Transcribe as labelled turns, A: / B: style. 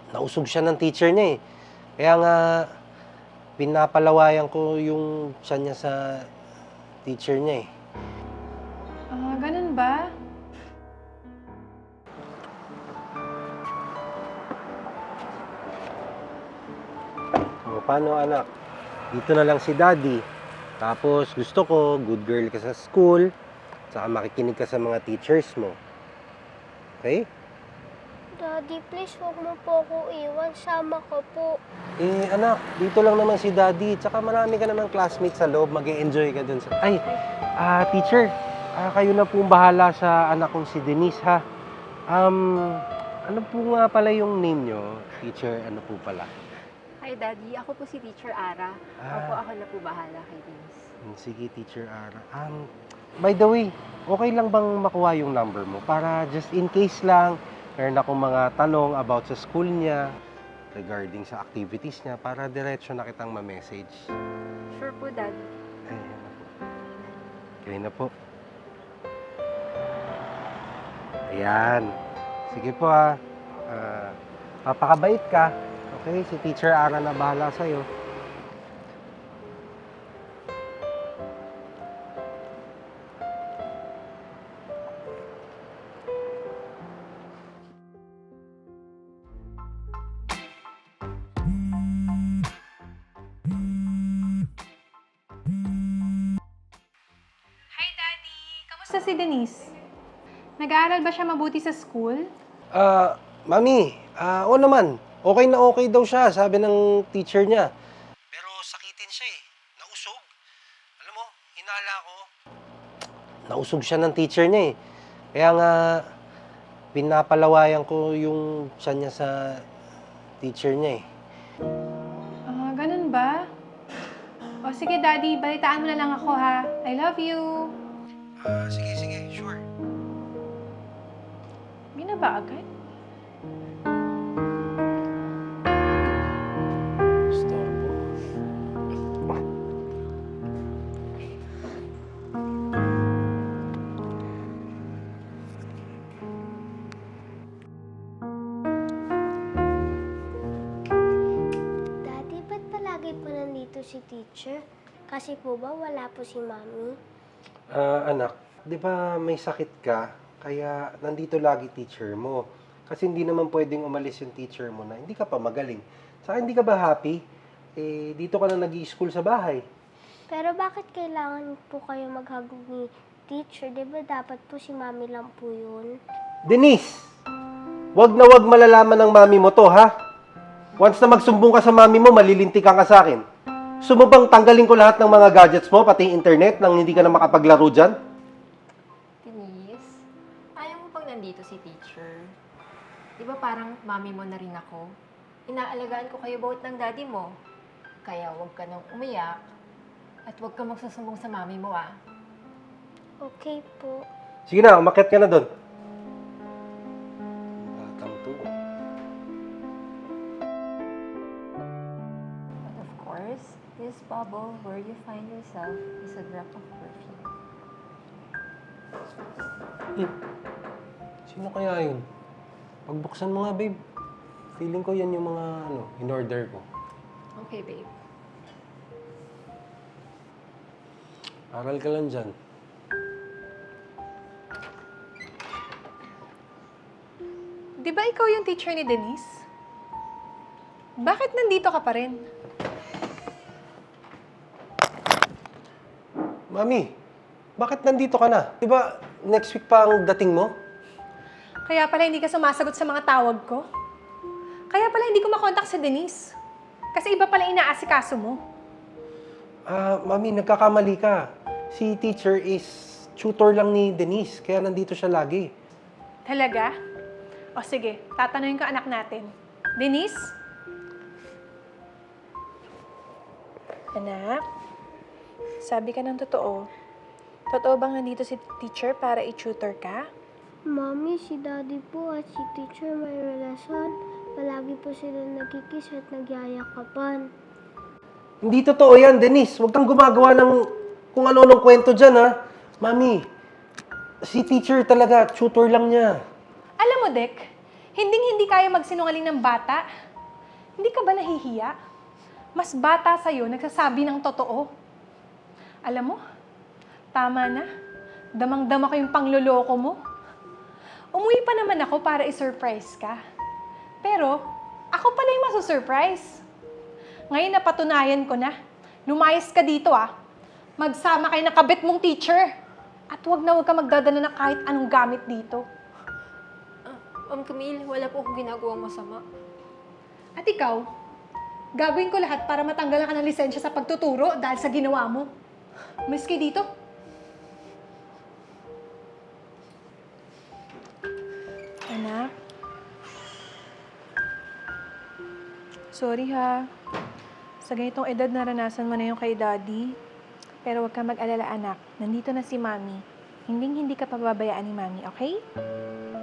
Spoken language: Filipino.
A: nausog siya ng teacher niya eh. Kaya nga, pinapalawayan ko yung siya niya sa teacher niya eh.
B: Ah, ganun ba?
A: O, paano anak? Dito na lang si daddy. Tapos gusto ko, good girl ka sa school. Saka makikinig ka sa mga teachers mo. Okay?
C: Daddy, please huwag mo po ako iwan. Sama ka po.
A: Eh anak, dito lang naman si daddy. Tsaka marami ka naman classmates sa loob. Mag-e-enjoy ka dun sa... Ay, teacher. Kayo na pong bahala sa anak kong si Denise ha. Ano po nga pala yung name nyo? Teacher, ano po pala?
D: Hi, Daddy. Ako po si Teacher Ara. Ako na po bahala kay Denise.
A: Sige, Teacher Ara. By the way, okay lang bang makuha yung number mo? Para just in case lang, meron akong mga tanong about sa school niya, regarding sa activities niya, para diretso na kitang ma-message.
D: Sure po, Daddy.
A: Ayan na po. Okay na po. Ayan. Sige po papakabait ka. Okay, si Teacher Ara na bahala sa'yo.
B: Hi, Daddy! Kamusta si Denise? Nag-aaral ba siya mabuti sa school?
A: Mami, oo naman. Okay na okay daw siya, sabi ng teacher niya. Pero sakitin siya eh. Nausog. Alam mo, hinala ko. Nausog siya ng teacher niya eh. Kaya nga, pinapalawayan ko yung siya niya sa teacher niya eh.
B: Ah, ganun ba? O sige, Daddy, balitaan mo na lang ako ha. I love you!
A: Sige, sure.
B: Hindi na ba agad?
A: Storbo.
C: Daddy, ba't palagi po nandito si teacher? Kasi po ba wala po si Mami?
A: Anak, di ba may sakit ka? Kaya nandito lagi teacher mo. Kasi hindi naman pwedeng umalis yung teacher mo na hindi ka pa magaling. Saka hindi ka ba happy? Eh, dito ka na nag-i-school sa bahay.
C: Pero bakit kailangan po kayo maghagog ni teacher? Di ba dapat po si Mami lang po yun?
A: Denise! Wag na wag malalaman ng mami mo to, ha? Once na magsumbong ka sa mami mo, malilintikan ka sa akin. Gusto mo bang tanggalin ko lahat ng mga gadgets mo, pati internet, nang hindi ka na makapaglaro dyan?
D: Denise, ayaw mo bang nandito si Teacher? Di ba parang mami mo na rin ako? Inaalagaan ko kayo both ng daddy mo. Kaya huwag ka nang umiyak at huwag ka magsusumbong sa mami mo, ah.
C: Okay po.
A: Sige na, umakyat ka na doon. Batang to.
D: But of course, this bubble where you find yourself is a drop of perfume.
A: Sino kaya yun? Pagbuksan mo nga, babe. Feeling ko yan yung mga, in-order ko.
D: Okay, babe.
A: Aral ka lang dyan.
B: Di ba ikaw yung teacher ni Denise? Bakit nandito ka pa rin?
A: Mami, bakit nandito ka na? Di ba next week pa ang dating mo?
B: Kaya pala hindi ka sumasagot sa mga tawag ko? Kaya pala hindi ko makontak si Denise? Kasi iba pala inaasikaso mo.
A: Mami, nagkakamali ka. Si teacher is tutor lang ni Denise, kaya nandito siya lagi.
B: Talaga? O sige, tatanungin ko anak natin. Denise? Anak? Sabi ka ng totoo. Totoo bang nandito si teacher para i-tutor ka?
C: Mami, si Daddy po at si teacher may relasyon. Palagi po sila nagkikiss at nagyayakapan.
A: Hindi totoo yan, Denise. Huwag kang gumagawa ng kung ano-anong kwento dyan, ha? Mami, si teacher talaga, tutor lang niya.
B: Alam mo, Dek, Hindi kaya magsinungaling ng bata. Hindi ka ba nahihiya? Mas bata sa'yo, nagsasabi ng totoo. Alam mo, tama na. Damang-dama ko yung pangloloko mo. Umuwi pa naman ako para i-surprise ka. Pero, ako pala yung masusurprise. Ngayon napatunayan ko na. Lumayas ka dito Magsama kayo ng kabit mong teacher. At huwag ka magdadala ng kahit anong gamit dito.
D: Ma'am Camille, wala po akong ginagawang masama.
B: At ikaw, gagawin ko lahat para matanggalan ka ng lisensya sa pagtuturo dahil sa ginawa mo. Umalis kayo dito. Anak. Sorry ha. Sa ganitong edad, naranasan mo na yung kay Daddy. Pero huwag ka mag-alala, anak. Nandito na si Mami. Hindi ka pababayaan ni Mami, okay?